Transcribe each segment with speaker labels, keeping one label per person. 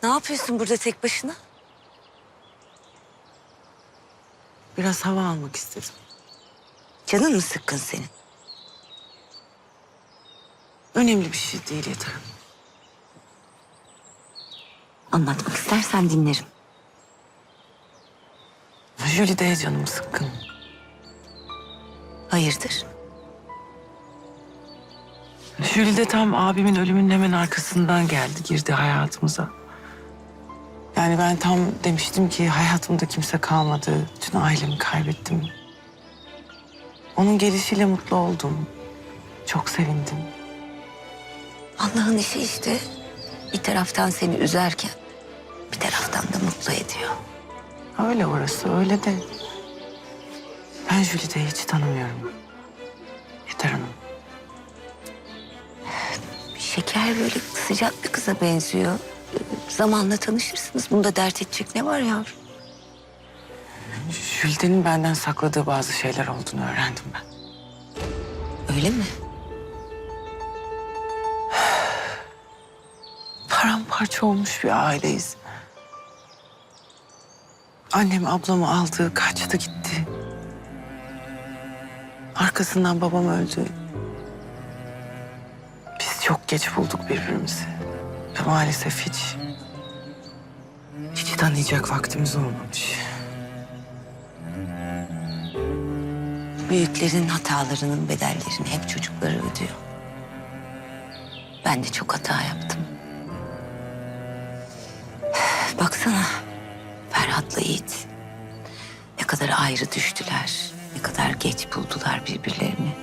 Speaker 1: Ne yapıyorsun burada tek başına?
Speaker 2: Biraz hava almak istedim.
Speaker 1: Canın mı sıkkın senin?
Speaker 2: Önemli bir şey değil yeter.
Speaker 1: Anlatmak istersen dinlerim.
Speaker 2: Jülide'ye canım sıkkın.
Speaker 1: Hayırdır?
Speaker 2: Jülide tam abimin ölümünün hemen arkasından geldi, girdi hayatımıza. Yani ben tam demiştim ki hayatımda kimse kalmadı. Bütün ailemi kaybettim. Onun gelişiyle mutlu oldum. Çok sevindim.
Speaker 1: Allah'ın işi işte. Bir taraftan seni üzerken bir taraftan da mutlu ediyor.
Speaker 2: Öyle orası, öyle de. Ben Jülide'yi hiç tanımıyorum. Yeter Hanım.
Speaker 1: Şeker böyle sıcak bir kıza benziyor. Zamanla tanışırsınız. Bunda dert edecek ne var yavrum?
Speaker 2: Jülide'nin benden sakladığı bazı şeyler olduğunu öğrendim ben.
Speaker 1: Öyle mi?
Speaker 2: Paramparça olmuş bir aileyiz. Annem ablamı aldı, kaçtı gitti. Arkasından babam öldü. Biz çok geç bulduk birbirimizi. Ve maalesef hiç tanıyacak vaktimiz olmamış.
Speaker 1: Büyüklerin hatalarının bedellerini hep çocukları ödüyor. Ben de çok hata yaptım. Baksana Ferhat'la Yiğit. Ne kadar ayrı düştüler. Ne kadar geç buldular birbirlerini.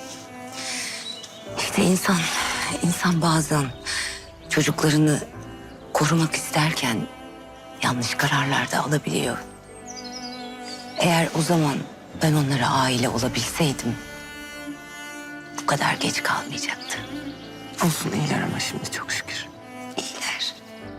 Speaker 1: İşte insan bazen çocuklarını korumak isterken yanlış kararlar da alabiliyor. Eğer o zaman ben onlara aile olabilseydim bu kadar geç kalmayacaktı.
Speaker 2: Olsun iyiler ama şimdi çok şükür.
Speaker 1: İyiler.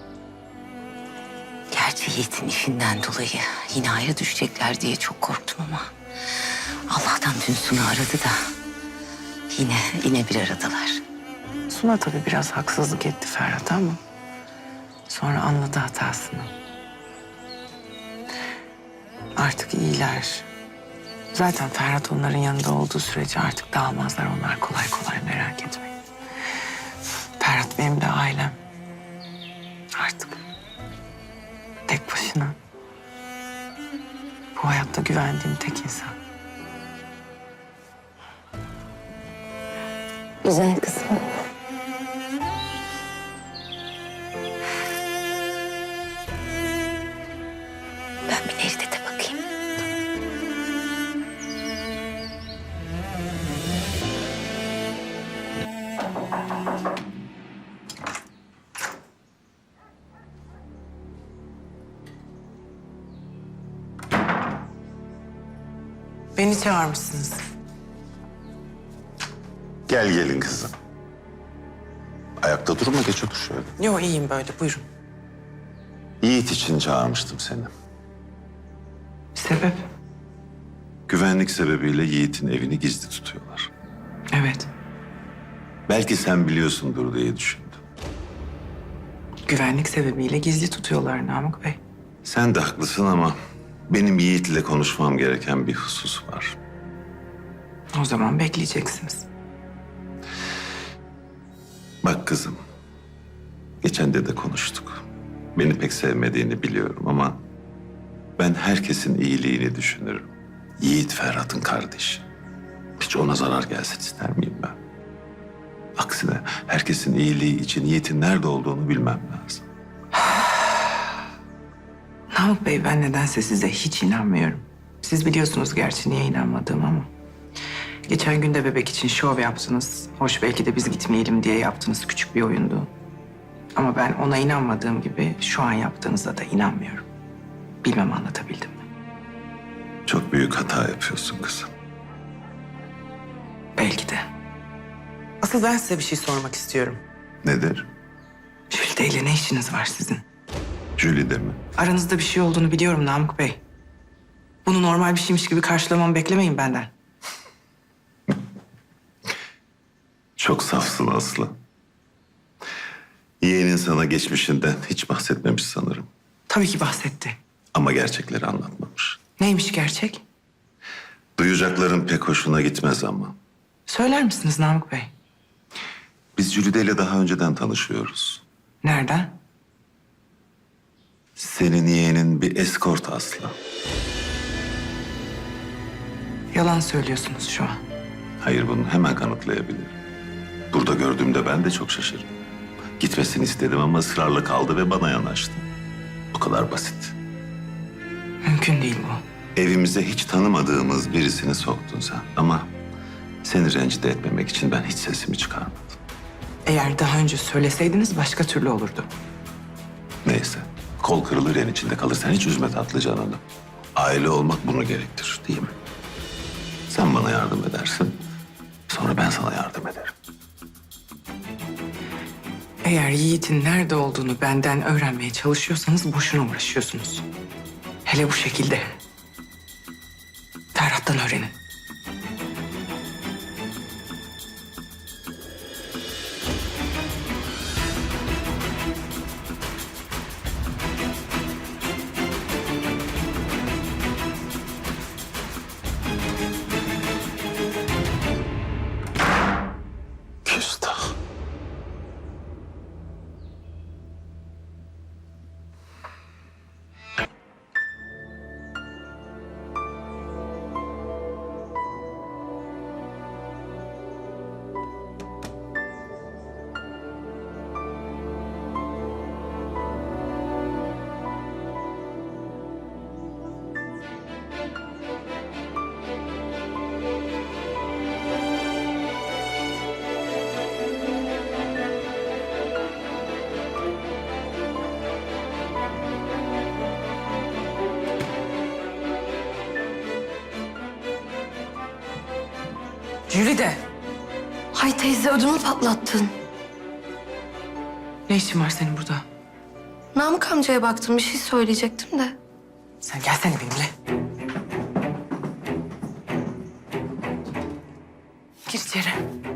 Speaker 1: Gerçi Yiğit'in işinden dolayı yine ayrı düşecekler diye çok korktum ama Allah'tan dün Sunu aradı da yine bir aradalar.
Speaker 2: Suna tabii biraz haksızlık etti Ferhat'a ama sonra anladı hatasını. Artık iyiler. Zaten Ferhat onların yanında olduğu sürece artık dağılmazlar onlar kolay kolay, merak etmeyin. Ferhat benim de ailem. Artık tek başına. Bu hayatta güvendiğim tek insan.
Speaker 1: Güzel kızım. Ben bir Necdet'e bakayım.
Speaker 2: Beni çağırmışsınız.
Speaker 3: Gel gelin kızım. Ayakta durma, geç otur şöyle.
Speaker 2: Yo iyiyim böyle, buyurun.
Speaker 3: Yiğit için çağırmıştım seni.
Speaker 2: Sebep?
Speaker 3: Güvenlik sebebiyle Yiğit'in evini gizli tutuyorlar.
Speaker 2: Evet,
Speaker 3: Belki sen biliyorsundur diye düşündüm.
Speaker 2: güvenlik sebebiyle gizli tutuyorlar Namık Bey.
Speaker 3: Sen de haklısın ama benim Yiğit'le konuşmam gereken bir husus var.
Speaker 2: O zaman bekleyeceksiniz.
Speaker 3: Bak kızım, geçen de konuştuk. Beni pek sevmediğini biliyorum ama ben herkesin iyiliğini düşünürüm. Yiğit Ferhat'ın kardeşi. Hiç ona zarar gelsin ister miyim ben? Aksine herkesin iyiliği için Yiğit'in nerede olduğunu bilmem lazım.
Speaker 2: Namık Bey, ben nedense size hiç inanmıyorum. Siz biliyorsunuz gerçi niye inanmadığımı ama. Geçen gün de bebek için şov yaptınız. Hoş belki de biz gitmeyelim diye yaptığınız küçük bir oyundu. Ama ben ona inanmadığım gibi şu an yaptığınızda da inanmıyorum. Bilmem anlatabildim mi?
Speaker 3: Çok büyük hata yapıyorsun kızım.
Speaker 2: Belki de. Asıl ben size bir şey sormak istiyorum.
Speaker 3: Nedir?
Speaker 2: Jülide ile ne işiniz var sizin?
Speaker 3: Jülide mi?
Speaker 2: Aranızda bir şey olduğunu biliyorum Namık Bey. Bunu normal bir şeymiş gibi karşılamamı beklemeyin benden.
Speaker 3: Çok safsın Aslı. Yeğenin sana geçmişinden hiç bahsetmemiş sanırım.
Speaker 2: Tabii ki bahsetti.
Speaker 3: Ama gerçekleri anlatmamış.
Speaker 2: Neymiş gerçek?
Speaker 3: Duyacakların pek hoşuna gitmez ama.
Speaker 2: Söyler misiniz Namık Bey?
Speaker 3: Biz Jülide ile daha önceden tanışıyoruz.
Speaker 2: Nereden?
Speaker 3: Senin yeğenin bir eskort Aslı.
Speaker 2: Yalan söylüyorsunuz şu an.
Speaker 3: Hayır, bunu hemen kanıtlayabilirim. Burada gördüğümde ben de çok şaşırdım. Gitmesini istedim ama ısrarla kaldı ve bana yanaştı. Bu kadar basit.
Speaker 2: Mümkün değil bu.
Speaker 3: Evimize hiç tanımadığımız birisini soktun sen. Ama seni rencide etmemek için ben hiç sesimi çıkarmadım.
Speaker 2: Eğer daha önce söyleseydiniz başka türlü olurdu.
Speaker 3: Neyse, kol kırılır yen içinde kalırsan hiç üzme tatlı canını. Aile olmak bunu gerektirir, değil mi? Sen bana yardım edersin, sonra ben sana yardım ederim.
Speaker 2: Eğer Yiğit'in nerede olduğunu benden öğrenmeye çalışıyorsanız boşuna uğraşıyorsunuz. Hele bu şekilde. Ferhat'tan öğrenin.
Speaker 3: Küstah.
Speaker 2: Jülide,
Speaker 4: Hay teyze ödümü patlattın.
Speaker 2: ne işin var senin burada?
Speaker 4: Namık amcaya baktım, bir şey söyleyecektim de.
Speaker 2: Sen gelsene benimle. Gir içeri.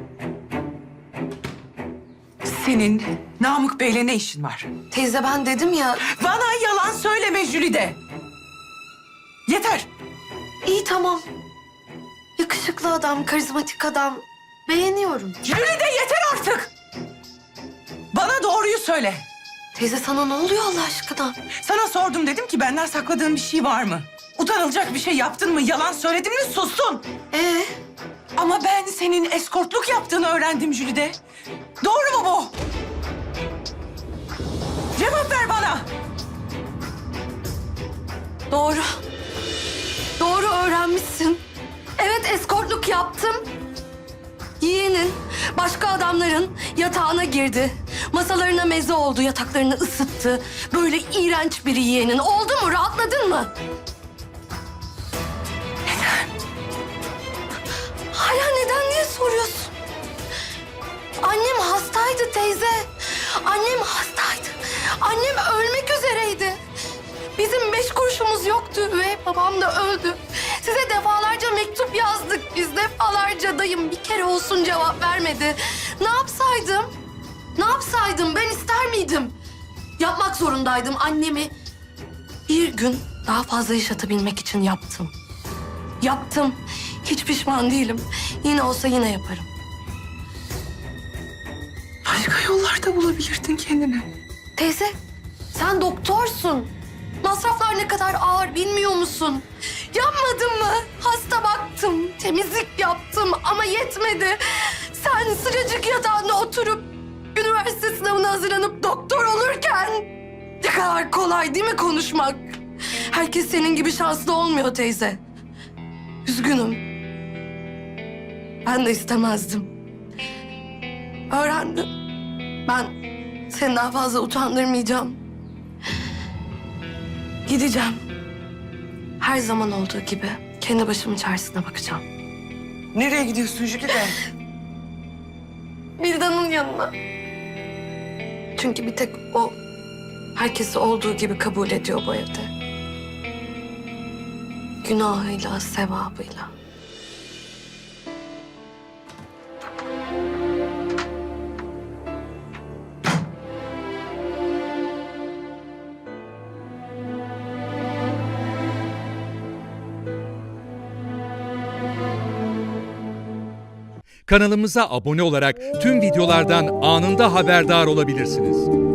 Speaker 2: Senin Namık Bey'le ne işin var?
Speaker 4: Teyze ben dedim ya,
Speaker 2: Bana yalan söyleme Jülide. Yeter.
Speaker 4: iyi tamam. Yakışıklı adam, karizmatik adam. Beğeniyorum.
Speaker 2: Jülide yeter artık. Bana doğruyu söyle.
Speaker 4: Teyze sana ne oluyor Allah aşkına?
Speaker 2: Sana sordum, dedim ki benden sakladığın bir şey var mı? Utanılacak bir şey yaptın mı? Yalan söyledin mi? Sustun. Ama ben senin eskortluk yaptığını öğrendim Jülide. Doğru mu bu? Cevap ver bana.
Speaker 4: Doğru. Doğru öğrenmişsin. Evet eskortluk yaptım. Yeğenin başka adamların yatağına girdi. Masalarına meze oldu, yataklarını ısıttı. Böyle iğrenç bir yeğenin. Oldu mu? Rahatladın mı? Neden? Hala neden diye soruyorsun. Annem hastaydı teyze. Annem hastaydı. Annem ölmek üzereydi. Bizim 5 kuruşumuz yoktu ve babam da öldü. Size defalarca mektup yazdık biz, defalarca. Dayım bir kere olsun cevap vermedi. Ne yapsaydım? Ne yapsaydım? Ben ister miydim? Yapmak zorundaydım. Annemi bir gün daha fazla yaşatabilmek için yaptım. Yaptım. Hiç pişman değilim. Yine olsa yine yaparım.
Speaker 2: Başka yollarda bulabilirdin kendini.
Speaker 4: Teyze, sen doktorsun. Masraflar ne kadar ağır bilmiyor musun? Yapmadım mı? Hasta baktım, temizlik yaptım ama yetmedi. Sen sıcacık yatağında oturup üniversite sınavına hazırlanıp doktor olurken ne kadar kolay değil mi konuşmak? Herkes senin gibi şanslı olmuyor teyze. Üzgünüm. Ben de istemezdim. Öğrendim. Ben seni daha fazla utandırmayacağım. Gideceğim. Her zaman olduğu gibi kendi başımın çaresine bakacağım.
Speaker 2: Nereye gidiyorsun Jülide?
Speaker 4: Vildan'ın yanına. Çünkü bir tek o herkesi olduğu gibi kabul ediyor bu evde. Günahıyla, sevabıyla.
Speaker 5: Kanalımıza abone olarak tüm videolardan anında haberdar olabilirsiniz.